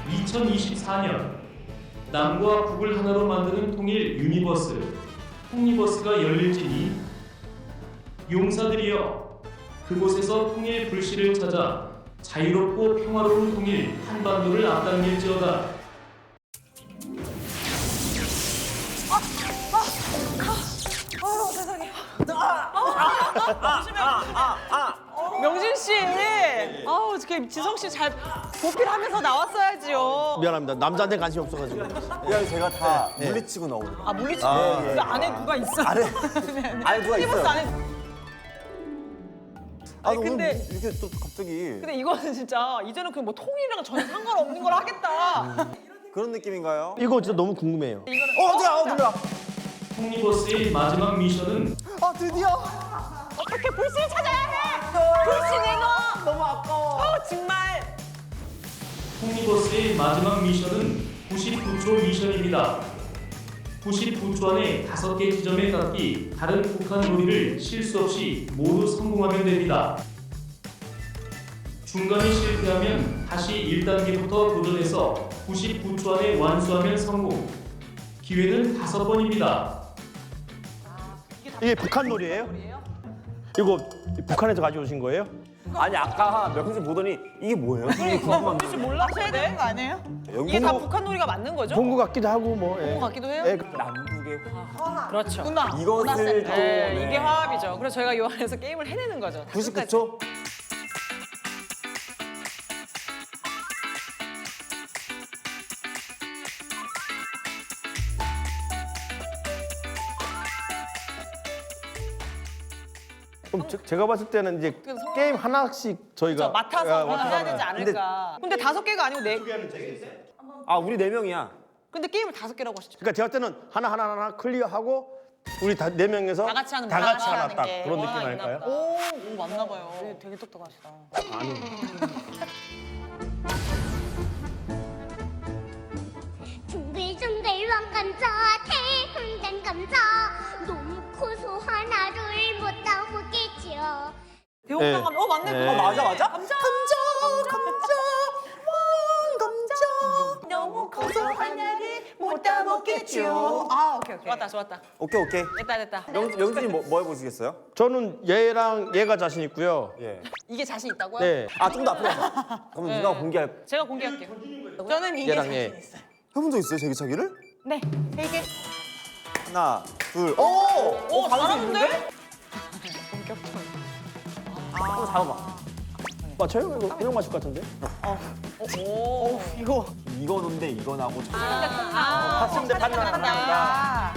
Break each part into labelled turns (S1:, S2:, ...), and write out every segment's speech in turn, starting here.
S1: 2024년 남과 북을 하나로 만드는 통일 유니버스 통리버스가 열릴지니 용사들이여 그곳에서 통일 불씨를 찾아 자유롭고 평화로운 통일 한반도를 앞당길지어다.
S2: 아유 세상에. 명진 씨, 아우 어떻게 지성 씨 잘 보필하면서 나왔어야지요.
S3: 미안합니다. 남자한테 관심 없어가지고.
S4: 그냥 제가 다 물리치고 나오는 거예요.
S2: 아 물리치고 그 안에 누가 있어?
S4: 안에 누가
S2: 티버스
S4: 있어요.
S2: 안에. 아니,
S4: 오늘
S2: 근데-
S4: 이렇게 또 갑자기
S2: 근데 이거는 진짜 이제는 그 뭐 통일이랑 전혀 상관없는 걸 하겠다.
S4: 그런 느낌인가요?
S3: 이거 진짜 너무 궁금해요.
S2: 이거는
S4: 어디야? 놀라.
S1: 통리버스의 마지막 미션은
S4: 아 드디어.
S2: 어떻게 불씨를 찾아야 해? 불씨 내놔.
S4: 너무 아까워.
S2: 정말.
S1: 통리버스의 마지막 미션은 99초 미션입니다. 99초 안에 5개 지점에 닿기 다른 북한 놀이를 실수 없이 모두 성공하면 됩니다. 중간에 실패하면 다시 1단계부터 도전해서 99초 안에 완수하면 성공. 기회는 5번입니다.
S3: 이게 북한 놀이에요? 이거 북한에서 가져오신 거예요?
S4: 아니 아까 명진 보더니 이게 뭐예요? 이게 궁금한
S2: 혹시 몰라셔야 되는 거 아니에요?
S4: 연구
S2: 이게 다 북한 놀이가 맞는 거죠?
S3: 본 것 같기도 하고 뭐.
S2: 본 것 같기도 해요?
S3: 예.
S4: 남북의 화.
S2: 그렇죠. 문화.
S4: 이것을 또
S2: 네, 이게 화합이죠. 그래서 저희가 이 안에서 게임을 해내는 거죠.
S4: 99초.
S3: 그럼 제가 봤을 때는 이제
S2: 그래서 성공-
S3: 게임 하나씩 저희가
S2: 맡아서
S3: 아,
S2: 해야 되지 않을까. 근데 5개가 아니고 4개.
S4: 아 우리 4명이야.
S2: 근데 게임을 5개라고 하시죠.
S3: 그러니까 제가 때는 하나 클리어하고 우리 다 4명에서
S2: 다 같이 하는
S3: 다
S2: 문화,
S3: 같이
S2: 다
S3: 하나
S2: 하는
S3: 딱
S2: 게.
S3: 그런
S2: 와,
S3: 느낌
S2: 있나
S3: 아닐까요?
S2: 보다. 오, 맞나 봐요. 되게 똑똑하시다.
S5: 둥글둥글 왕감자 대흥단 감자 너무 커서 하나를 못 담겠죠.
S2: 대홍당 감자. 맞네.
S3: 네.
S2: 그거
S4: 맞아.
S2: 감자. 감자. 왕 감자. 너무 커서 하나를 못 담겠죠. 아, 오케이. 좋았다.
S4: 오케이.
S2: 됐다.
S4: 명진이 뭐 해보시겠어요?
S3: 저는 얘가 자신 있고요.
S4: 예.
S2: 이게 자신 있다고요?
S3: 네.
S4: 아 좀 더 앞으로 가자. 그럼 누가 공개할?
S2: 제가 공개할게요. 저는 이게
S3: 얘랑
S2: 자신
S3: 얘.
S2: 있어요.
S4: 해본 적 있어요 제기차기를?
S2: 네. 3개.
S4: 하나, 둘.
S2: 오, 잘하는데?
S4: 한번 잡아봐.
S3: 맞춰요? 이거 그냥 맞출 것 같은데?
S2: 오, 이거.
S4: 이거 논데 이거 나고.
S3: 봤습니다. 판단한다.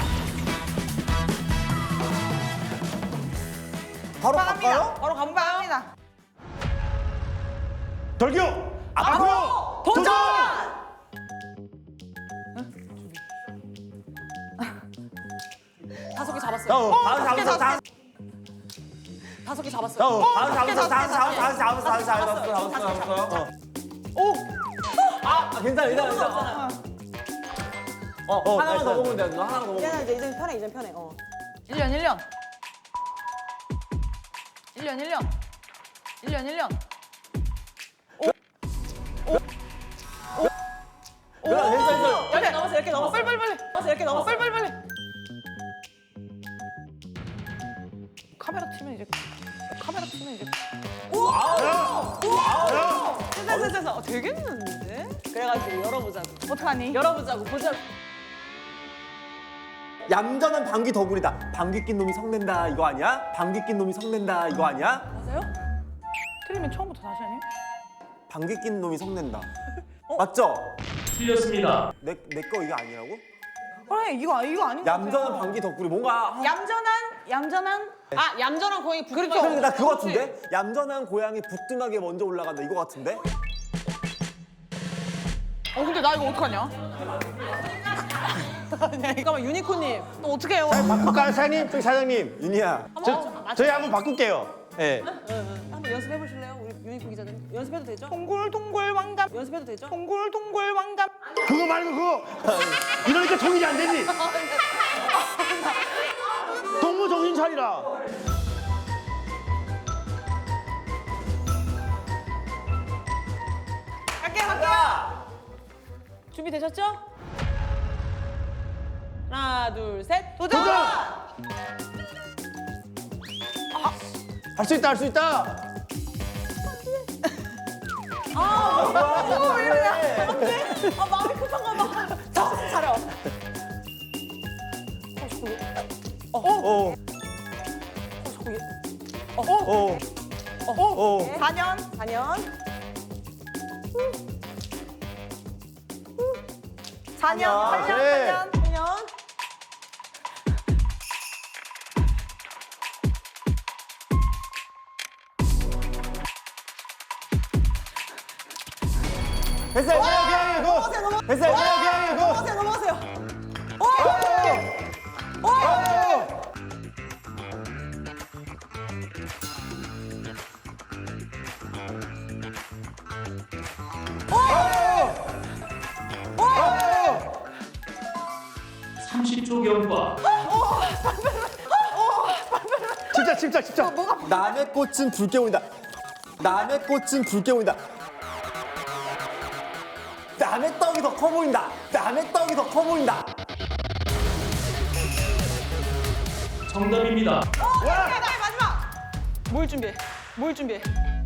S4: 바로 갈까요?
S2: 바로 가봅니다.
S3: 돌격! 앞으로!
S2: 도전! 다섯 개 잡았어요.
S4: 다섯 개 잡았어.
S2: 다섯 개 잡았어요.
S4: 다섯 잡았어.
S2: 오!
S4: 괜찮아. 하나만 더 먹으면 돼. 너 하나 더 먹으면 돼.
S2: 이제 편해. 1년. 1년.
S4: 괜찮아.
S2: 10개 넘었어. 10개 넘었어. 빨리. 10개 넘었어. 빨리. 카메라 치면 이제. 됐어. 되겠는데? 그래가지고 열어보자고. 어떡하니? 열어보자고. 보자.
S4: 얌전한 방귀 덕분이다. 방귀 낀 놈이 성낸다 이거 아니야? 방귀 낀 놈이 성낸다 이거 아니야?
S2: 맞아요? 틀리면 처음부터 다시 하니?
S4: 방귀 낀 놈이 성낸다. 맞죠?
S1: 틀렸습니다.
S4: 내 거 이거 아니라고?
S2: 그래 이거 아닌 것
S4: 얌전한 방귀 덕분이 뭔가
S2: 얌전한 얌전한 고양이 부끄러워.
S4: 그러니까 나 그거 같은데? 얌전한 고양이 부뚜막에 먼저 올라간다 이거 같은데?
S2: 근데 나 이거 어떡하냐? 잠깐만 유니콘님 또 어떻게 해요?
S3: 바꿀까요, 사장님? 저기 사장님.
S4: 윤희야
S3: 저희 한번 바꿀게요. 예.
S2: 한번 연습해 보실래요? 우리 유니콘 기자님 연습해도 되죠? 동굴 왕감 연습해도 되죠? 동굴 왕감
S3: 그거 말고 그거. 이러니까 정신이 안 되지. 동무 정신 차리라.
S2: 갈게요 준비되셨죠? 하나, 둘, 셋. 도전!
S3: 할 수 있다 할 수 있다.
S2: 왜 이러냐? 아, 마음이 급한가 봐. 정신 차려.
S3: 오. 오. 오.
S2: 4년. 4년, 8년,
S3: 네.
S2: 8년.
S3: 됐어요. 그냥 이거. 됐어요. 그냥 이거.
S2: 넘어가세요.
S1: 삼 30초 경과.
S3: 집착.
S4: 남의 꽃은 붉게 보인다. 남의 꽃은 붉게 보인다. 남의 떡이 더 커 보인다. 남의 떡이 더 커 보인다.
S1: 정답입니다.
S2: 마지막. 뭘 준비해?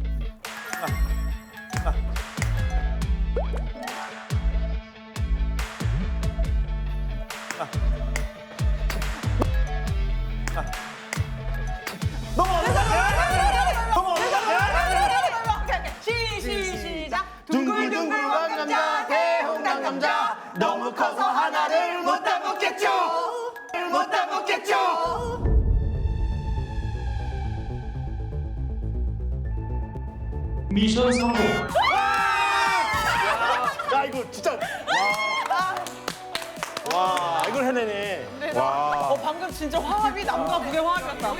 S2: 시작.
S3: 둥글둥글한 감자 대홍당 감자 너무 커서 하나를 못 다 먹겠죠.
S1: 미션 성공.
S3: 야 이거 진짜. 와 이걸 해내네. 와.
S2: 방금 진짜 화합이 남과 북의 화합이었다.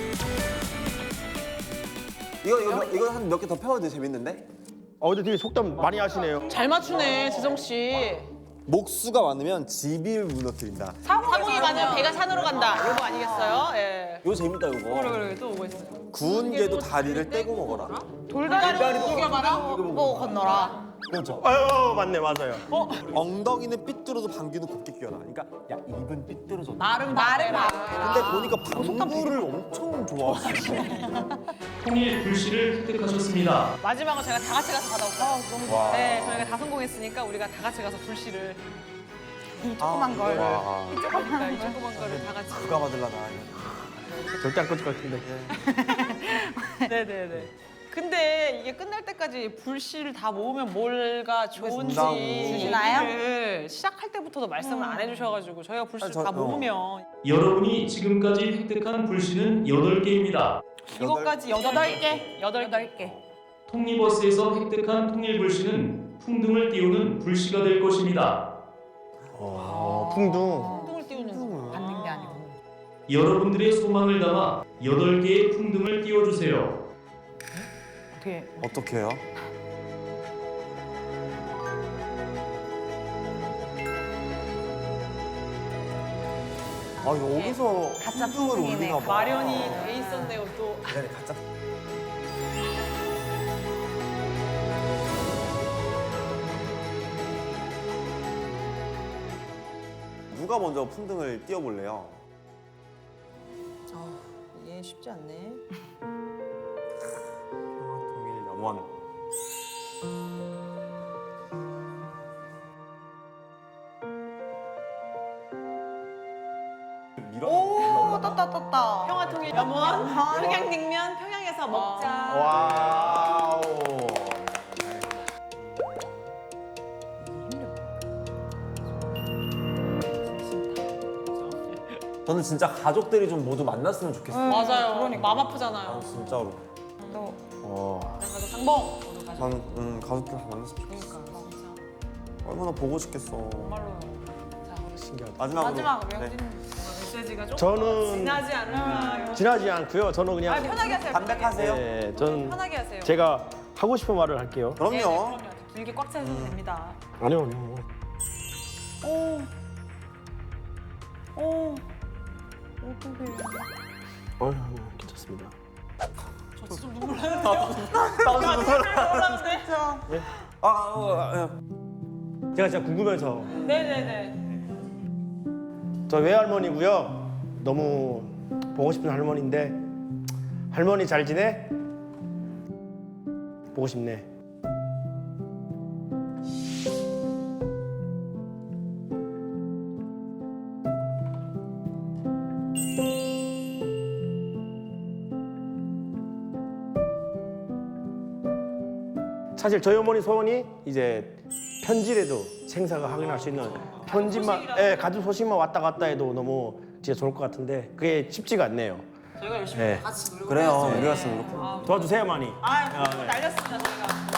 S4: 이거 한 몇 개 더 펴도 돼. 재밌는데?
S3: 어제 되게 속담 많이 하시네요.
S2: 잘 맞추네, 지성 씨.
S4: 목수가 많으면 집을 무너뜨린다.
S2: 사공이 많으면 배가 산으로 간다. 이거 아니겠어요? 예.
S4: 이거 재밌다 이거.
S2: 그래 또 오고 있어요.
S4: 구운 게도 다리를 떼고 먹어라.
S2: 돌다리로 구겨봐라. 보고 건너라.
S4: 그렇죠.
S3: 아유 맞네 맞아요.
S4: 엉덩이는 삐뚤어도 방귀는 곱게 뀌어라. 그러니까 야 입은 삐뚤어져.
S2: 말은
S4: 근데 보니까 방구를 엄청 좋아하시네.
S1: 통일 불씨를 획득하셨습니다.
S2: 마지막으로 제가 다 같이 가서 받아올까요? 너무 좋아. 네, 저희가 다 성공했으니까 우리가 다 같이 가서 불씨를 이 조그만 걸, 이 조그만 거를 다 같이.
S4: 누가 받을라나.
S3: 절대 안 꺼질 것 같은데.
S2: 네네네. 근데 이게 끝날 때까지 불씨를 다 모으면 뭐가 좋은지
S4: 준다고.
S2: 얘기를 시작할 때부터도 말씀을 안 해주셔가지고 저희가 불씨를 다 모으면
S1: 여러분이 지금까지 획득한 불씨는 8개입니다.
S2: 이것까지 8개. 8개.
S1: 통리버스에서 획득한 통일 불씨는 풍등을 띄우는 불씨가 될 것입니다.
S3: 풍둥.
S2: 풍등을 띄우는 받는 게 아니고.
S1: 여러분들의 소망을 담아 8개의 풍등을 띄워주세요.
S4: 어떻게 해요? 여기서 가짜 풍을 올리나 봐.
S2: 마련이 돼 있었네요 또.
S4: 네, 가짜. 누가 먼저 풍등을 띄워볼래요?
S2: 이게 쉽지 않네.
S4: 통일 염원.
S2: 오, 떴다. 평화통일 염원, 평양냉면 평양에서 먹자.
S3: 와우.
S4: 저는 진짜 가족들이 좀 모두 만났으면 좋겠어요.
S2: 맞아요. 그러니까 마음 아프잖아요.
S4: 진짜로.
S2: 가서 상봉.
S4: 난 가족들 다 만났으면 좋겠어. 얼마나 보고 싶겠어.
S2: 정말로요.
S3: 신기하다.
S4: 마지막으로.
S2: 메시지가 좀
S3: 저는
S2: 지나지 않을까.
S3: 지나지 않고요. 저는 그냥
S2: 편하게 하세요.
S4: 담백하세요?
S3: 네, 저는
S2: 편하게 하세요.
S3: 제가 하고 싶은 말을 할게요.
S4: 그럼요.
S2: 길게 꽉 차셔도 됩니다.
S3: 아니요.
S2: 어떡해.
S3: 괜찮습니다.
S2: 저 진짜 눈물 나는데요. 나 진짜 눈물 나는데.
S3: 제가 진짜 궁금해서.
S2: 네네네.
S3: 저 외할머니고요. 너무 보고 싶은 할머니인데 할머니 잘 지내? 보고 싶네. 사실 저희 어머니 소원이 이제 편지라도 생사가 확인할 수 있는 편지만, 예, 가족 소식만 왔다 갔다 해도 너무 진짜 좋을 것 같은데 그게 쉽지가 않네요.
S2: 저희가 열심히
S3: 네.
S2: 같이 노력을
S4: 그래요.
S2: 해야지.
S4: 우리 같으면 그렇고.
S3: 도와주세요, 많이.
S2: 네. 날렸습니다 저희가.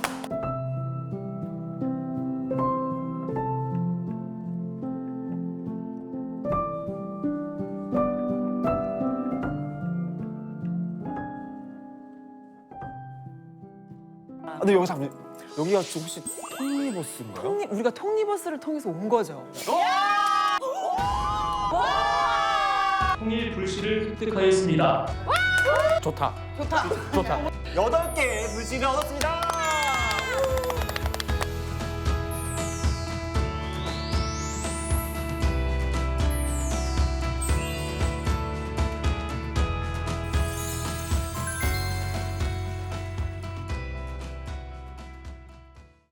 S4: 근데 여기 잠깐 여기가 혹시 톱니버스인가요?
S2: 우리가 톱니버스를 통해서 온 거죠.
S1: 통일 불씨를 획득하였습니다.
S3: 좋다.
S2: 좋다.
S3: 좋다.
S4: 8개의 불씨를 얻었습니다.